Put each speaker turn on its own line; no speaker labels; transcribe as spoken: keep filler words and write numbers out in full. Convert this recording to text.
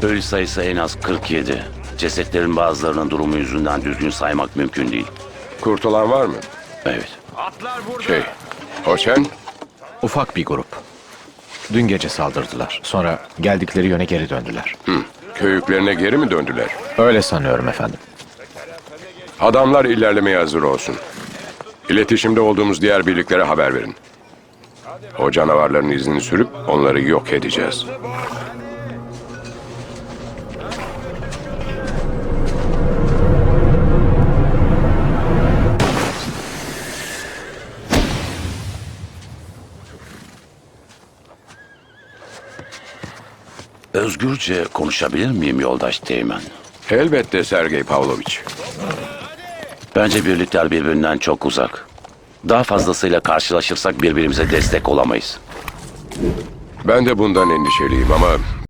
Ölü sayısı en az kırk yedi. Cesetlerin bazılarının durumu yüzünden düzgün saymak mümkün değil.
Kurtulan var mı?
Evet.
Şey, o sen?
Ufak bir grup. Dün gece saldırdılar. Sonra geldikleri yöne geri döndüler.
Hı. Köyüklerine geri mi döndüler?
Öyle sanıyorum efendim.
Adamlar ilerlemeye hazır olsun. İletişimde olduğumuz diğer birliklere haber verin. O canavarların izini sürüp onları yok edeceğiz.
Özgürce konuşabilir miyim yoldaş Teğmen?
Elbette Sergey Pavlovich.
Bence birlikler birbirinden çok uzak. Daha fazlasıyla karşılaşırsak birbirimize destek olamayız.
Ben de bundan endişeliyim ama